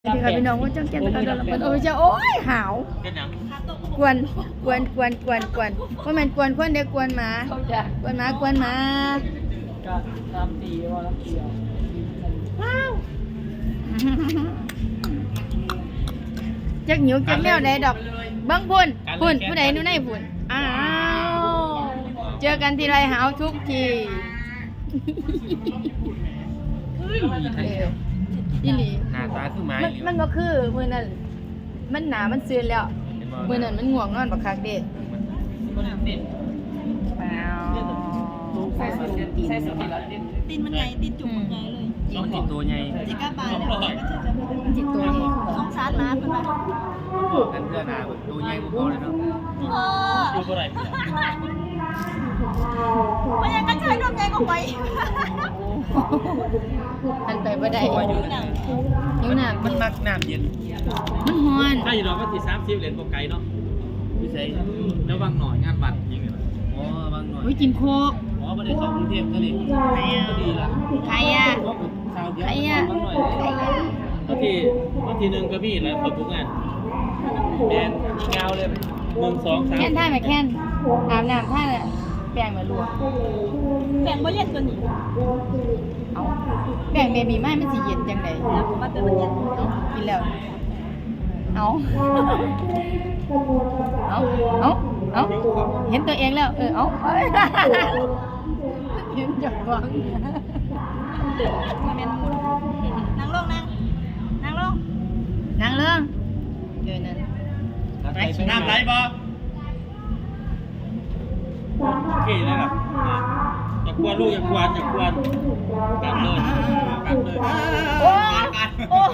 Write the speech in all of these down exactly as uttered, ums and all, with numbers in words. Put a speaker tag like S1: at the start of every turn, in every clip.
S1: ที่ค่ะพี่น้องว่าจังแก่นตะกันมันโอ้ยจะโอ้ยหาวกวนกวนกวนกวนกวนว่ามันกวนคนเด็กกวนหมากวนหมากวนหมา
S2: ก็ตามตีว่าแล้วเดียว
S1: ว้าวจักหิวจักแมวใดดอกเบิ้งพุ่นพุ่นผู้ใดนู่นไหนพุ่นอ้าวเจอกันทีไรหาวทุกทีอีหลี
S3: หน้าตาคือไม้
S1: มันมันก็คือมื้อนั้นมันหนามันซื่นแล้วมื้อนั้นมันง่วงนอนบักคักเด้
S2: คนติด
S1: แป้ว
S2: ใส่สุดใส่สุดแล้วติด
S4: ตีนมันใหญ่ตีนจุกมันใหญ่เลย
S3: ต้องติดตัวใหญ่
S4: จิกาบาลแล้วก็จะจะ
S1: จิตตัวนี้
S4: สงสารหมาเพิ่นว่า
S3: บอกกันเพื่อหน้าตัวใหญ่กว่าเขาเลยเนาะ
S4: พ่อ
S3: ดูเท่าไหร่
S4: มันยังกันใช้นมใหญ่กว่าไป
S1: อันไปบ่ได้
S3: ว่าอยู่นะ
S1: นิ้วหนัก
S3: มันมักน้ำเย็น
S1: มันฮ้อน
S5: ถ้าอยู่ดอกก็ตีสามสิบเหรียญโปไกเนาะ
S3: พี่ใส่
S5: แล้วบางหน่อยงานบัตรยิงเลย
S3: อ๋อบางหน่อย
S1: อุ้ยกินโคก
S3: อ๋อไม่ได้เข้ากรุงเทพก็เลยก็ดีละ
S1: ใครอ่ะ
S3: เพราะชาวเดียว
S1: ใครอ่ะ
S3: บางหน่อย
S1: ใครอ่ะ
S5: บางทีบางทีหนึ่งก็พี่แล้วคนทุกงานแมนยิงเงาเลยหนึ่งสองสาม
S1: แค่นท่าไหมแค่นอาบน้ำท่าน่ะแป้งมาลวก
S4: แบ่งบ่เย็นตัวนี้
S1: เอาแป้งเบบีไม้มันสิเย็นจังได๋
S4: มันเป็นมันเย็น
S1: เอากินแล้วเอาเอาเอาเอาเห็นตัวเองแล้วเออเอาเห็นจักหวัง
S4: มันเป็นนั่งลงนั่งนั่งลง
S1: นางเรื่องเดี๋ยวนั้น
S5: น้ำไหลบ่โอเคแล้วครับอย่ากวนลูกอย่ากวนอย่ากวนกัดเลยกัดเลย
S1: โอ้โอ้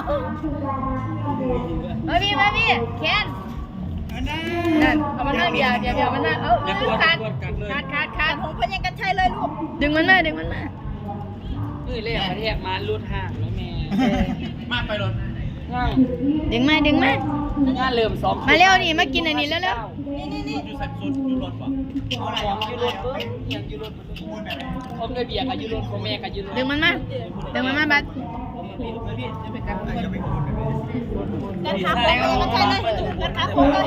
S1: มาพี่มาพี่แคนนั่นเอามันมาเดี๋ยวเดี๋ยวเดี๋ยวมันมาเอา
S5: อย่ากวน
S1: ขาด
S5: กัดเลย
S1: ขาดขาด
S4: ขา
S1: ขา
S4: ด
S1: ด
S4: ของเพิ่นยังกันใช้เลยลูก
S1: ดึงมันมาดึงมันมา
S2: เอ้ยเรียกประเทศมาลุดห่างแล้วแม่
S5: มากไปรถ
S2: ง่าย
S1: ดึงมาดึงมา
S2: งานเริ่มสอง
S1: มาเร็วนี่มากินอันนี้แล้วเร็ว
S4: นี่นี่นี่
S5: อยู่ใส่สุดอยู่รถป่ะ
S2: ของยูโรเอ้ยยังยูโรผมด้วยเบียร์กับยูโรของแม่กับยูโร
S1: ดึงมันมาดึงมันมาบัด
S4: กันขาโค้งยังกันใช้เลยกันขาโค้งเลย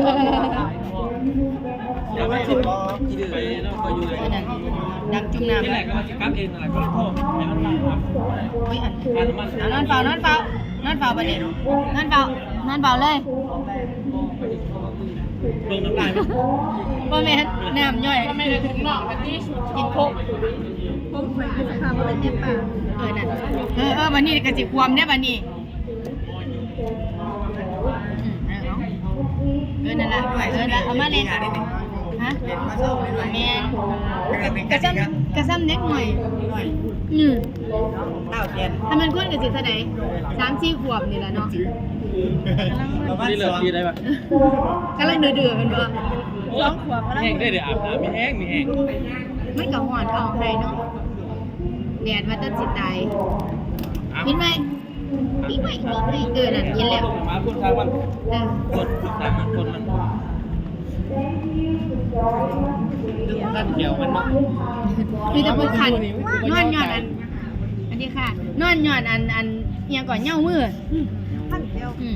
S5: อย่าไปสิไปเนาะไปอยู่เลย
S1: นั่นดังจุ่มน้ำ
S5: ที่ไหนก็มาจิกับเองอะไรก็โทษให้มันมาครับ
S1: อุ้ยอัน
S5: อันมัน
S1: นอนเฝ้านอนเฝ้านอนเฝ้าบัดนี้นอนเฝ้านอนเฝ้าเลย
S5: ลงน้ำลายไหม
S1: บ่แม่นน้ำย่อย
S2: ไม่ได้ถึงนอกทันที
S1: กินโคก
S4: ผมเคยเป็นสภาพมันเป็นเจ็บปาก
S1: เออนั่นเออเออบัดนี้ก็สิความได้บัดนี้อืมเอาเออนั่นล่ะเออนั่นล่ะเอามาเล่นฮะแม่นกระซ้ำกระซ้ำเล็กหน่อยอืมถ้ามันคนก็สิเท่าใดสามสี่ขวบนี่ล่ะเนาะ
S5: นี่เลิกทีได้ปะ
S1: กำลังเดือดๆกันบ่
S4: สองขวบแล้ว
S5: แห้งได้เดี๋ยวอาบน้ำมีแห้งมีแห้ง
S1: มันก็ฮ้อนเอาให้เนาะแดดว่าจะสิตายกินไหมกินไหมกินไหมเออนั่นกินแล้ว
S5: มาพูดทางมัน
S1: เออ
S5: คนทางมันคนมันด้านเขียวมันเนาะ
S1: มีแต่พวกคันนอนหย่อนอันอันนี้ค่ะ นอนหย่อนอันอันเอียงก่อนเหย้ามือ
S4: พันเดียว
S1: อืม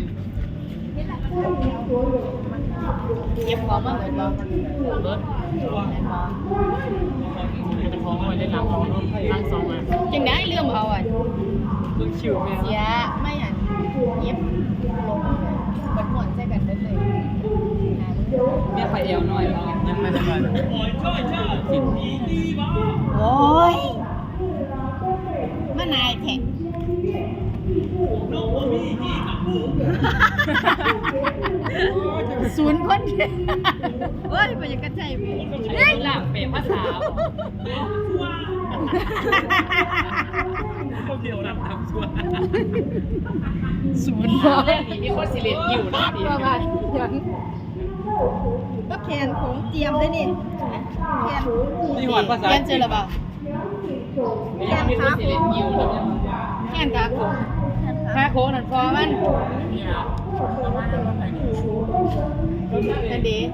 S1: เก็บของมาเหมือนบ่
S2: เบิร์ดจะพอไว้เล่นหลังสองหลังสองอ่ะ
S1: จังได้เรื่องเอาอ่ะ
S2: เพิ่งชิวแม่
S1: เสียไม่อ่ะเย็บลงมันหมดใส่กันได้เลย
S2: แม่ไฟเอวหน่อย
S3: ยังไม่ได้มา
S5: โอ้ยช่วยช่วยสิบปีดีบ้า
S1: โอ้ยมานายแท็ก
S5: น้องว่ามีที่กับผู้
S1: ศูนย์คนเฮ้ยไปยังกระใจพี่
S2: ไอ้หลังเปรภาษา
S5: เขาเดียวรับทำส่วน
S1: ศูนย์
S2: เล่นนี่มีคนสิเลนอยู่นะดี
S1: ว่ากันยัง
S4: ก็แขนของเจียมเลยนี่แขน
S5: นี่หวานภาษา
S1: เรียนเจอหรือเปล่า
S2: มีคนสิเลนอยู่นะ
S1: แค่นกาโคคาโคนั่นพอมันนั่นดี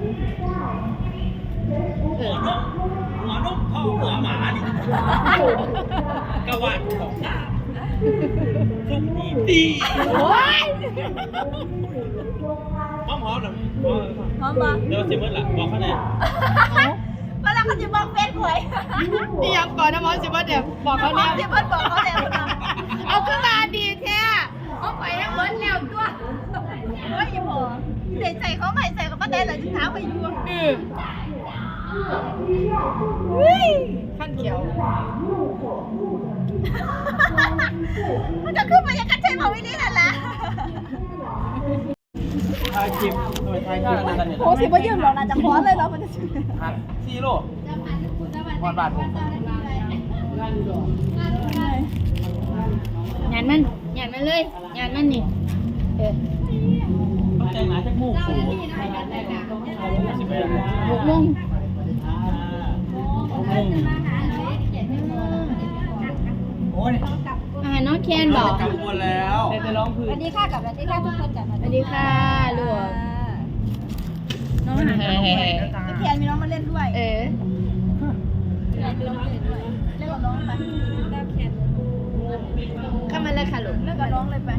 S1: เออ
S5: หัวนกพ่อหัวหมาดิกระวาดของตาทุกทีดี
S1: โอ้ย
S5: หอมหอมหน่อย
S4: พร้อมปะ
S5: เดี๋ยวซิมเมอร์ล่ะบอกเขาหน่อย
S4: เวลาเขาจะบอกเฟซหวย
S1: นี่ยังก่อนนะมอสิว่าเดี๋ยวบอกเขา
S4: บอ
S1: แล้
S4: ก
S1: ว
S4: ที่เพิ่นบอกเขาแล้วนะ
S1: เอาขึ้นมาดีแท้เอาไปให้เบิร์ดแล้วตัว
S4: เฮ้ยพอเด็กใส่เขาใหม่ใส่กับป้าแดงเลยจะเท้าไปอยู่
S1: เออเฮ้ยขั้นเขียว
S4: มันจะขึ้นมาอย่างกันใช่ไหมวินี่นั่นแหละ
S5: ถ่ายคลิปทำไมถ่ายคลิปอะไรกันเนี่ย
S4: โอ้สิว่ายืมหรอกนะจะคว้าเลยเรามันจะ
S5: หัดซีโร่บอลบาทผม
S1: หยานมันหยานมันเลยหยานมันนี่เออ
S5: มันแต่งหนาจะมูกสูงสิบแปด
S1: หกโมง
S5: โอ้ย
S1: อ่าน้องแคนบอก
S5: กำมวลแล้ว
S3: แต่จะร้องพื้
S4: สวัน สดีค่ะกับสวัสดีค่ะทุกคนกับ
S1: สวัสดีค่ะลูกน้องหา
S4: พี่เทียนมีน้องมาเล่นด้วย
S1: เออ
S4: เล่นกับน้องเล่นด้วยเล่นกับน้องไปได้แคน
S1: เข้ามาเลยค่ะลูก
S4: เล่นกับน้องเลยไป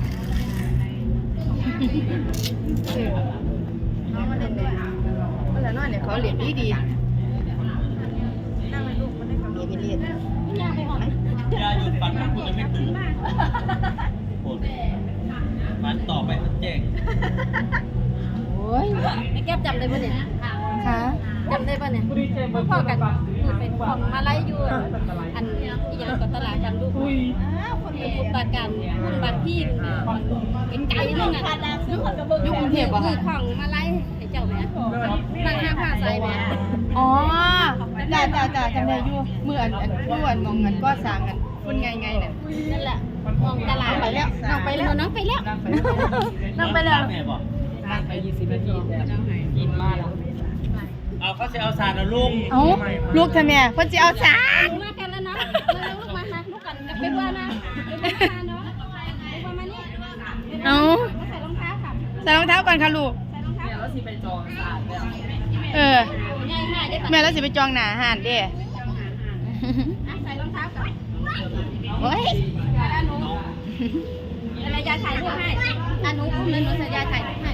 S1: เออ
S4: น้องมาเล่นด้วย
S1: เวลานอนเนี่ยเขาเรียนดีดี
S4: นั่งเลยลูกมาเล่นกับน้อง
S1: มีไปเรียน
S4: ยากไปหอม
S5: อย่าหยุดฝันถ้าคุณจะไม่ตื่นโอดฝันต่อไปมันแจ้ง
S1: โอ้ย
S4: ไอ้แก้มจำได้ปะเนี่ย
S1: ค่ะ
S4: จำได้ปะเนี่ยพ่อกันคือเป็นของมาไล่อยู่อันอีกอย่างกับตลาดกันลูกอ้าวคนเป็นคนบาดกันคนบาดพี่เป็นไก่นั่นน่ะยุคกรุงเทพคือของมาไล่ไอ้เจ้าแม่นางห้าผ้าใส่แม่
S1: อ๋อจ้าจ้าจ้าจำได้อยู่เมื่ออันอันเมื่ออันมองเงินก็สร้างกันคุณไงไงเนี่ย
S4: นั่นแหละมองตลาด
S1: ไปแล้วน้องไปแล้ว
S4: น้องไปแล้ว
S1: น้องไปแล้ว
S5: แม่บอก
S3: นั่งไปยี่สิบนาทีกินมาแล้ว
S5: เอาเขาจะเอาสารเอาลุง
S1: เอ้าลูกทำไมเพิ่นสิเอาสาร
S4: มากันแล้วนะมาลูกมามาลูกกันไปว่านะไปว่าเนาะไปว่ามานี่
S1: เอ้า
S4: ใส่รองเท้าค่ะ
S1: ใส่รองเท้าก่อนค่ะลูก
S4: ใส่รองเท้า
S3: เนี่ยแล้วสิไปจองศาสตร์แล้ว
S1: เออ
S4: ง่ายง่ายได้ปะ
S1: แม่แล้วสิไปจองหน้าหาดเด้
S4: ใส่รองเท้าก่อน
S1: โอ้ย
S4: อานุอะไรยาถ่ายรูปให้อานุอุ้มเลยหนูใส่ยาถ่ายรูปให้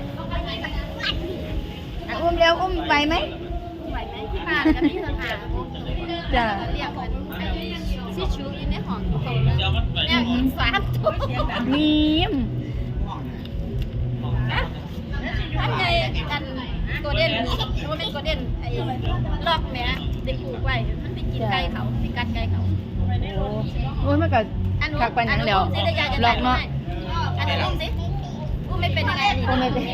S1: อ่ะอุ้มเร็วอุ้มไหวไหม
S4: ไหวไหมที่บ้านก็มีสถาน
S1: จ้ะ
S4: เรียกกันซิชูอยู่ในห้องตรง
S5: เดี๋ยวมันไป
S4: แนวอีกสามตัว
S1: มีม
S4: ท่านใหญ่กันโกลเด้นว่าเป็นโกลเด้นไอ้ลอกแม่เด็กปลูกไว้มันไปกินไก่เขาไปกัดไก่เขา
S1: โอ้ยมันก็
S4: อันนู้
S1: คักปานหยังแล้ว
S4: สิได้ยาจะ
S1: หล
S4: ได้
S1: อกเนาะ
S4: อันนู้อุ้มสิอุ้มไม่เป็นยังไง
S1: อุ้มไม่เป็น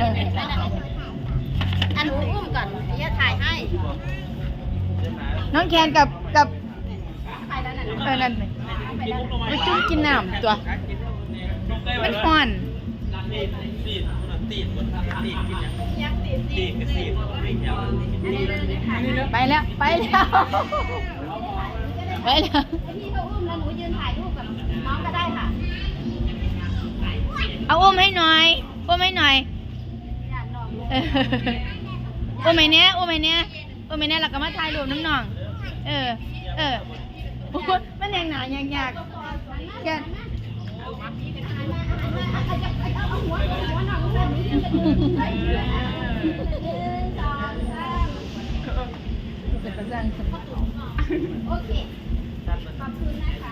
S4: อันนู้อุ้มก่อนยาถ่ายให้
S1: น้องแคนกับกับ
S4: ถ่ายแล้วนั่น
S1: เออนั่นไปไปจุ่มกินน้ำตัว มันฮ้อน
S5: ตีดตีดตีดตีดกินอย่างตีดกับตีดไม่เกี่ยว
S1: ไปแล้วไปแล้วไปแล้ว
S4: พี่เขาอุ้มแล้วหนูยืนถ่ายรูปกับน้องก็ได้ค่ะ
S1: เอาอุ้มให้หน่อยอุ้มให้หน่อย
S4: อยากน้อง
S1: เอออุ้มให้เนี้ยอุ้มให้เนี้ยอุ้มให้เนี้ยแล้วก็มาถ่ายรูปน้ำหนอง เออ เออโอ้ยมันยังหนายากยากแกเป็นประจัน
S4: โอเคขอบคุณนะคะ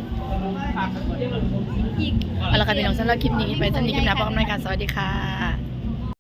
S1: เอาละค่ะพี่น้องสำหรับคลิปนี้ไปสำหรับคลิปหน้าพบกันใหม่ค่ะสวัสดีค่ะ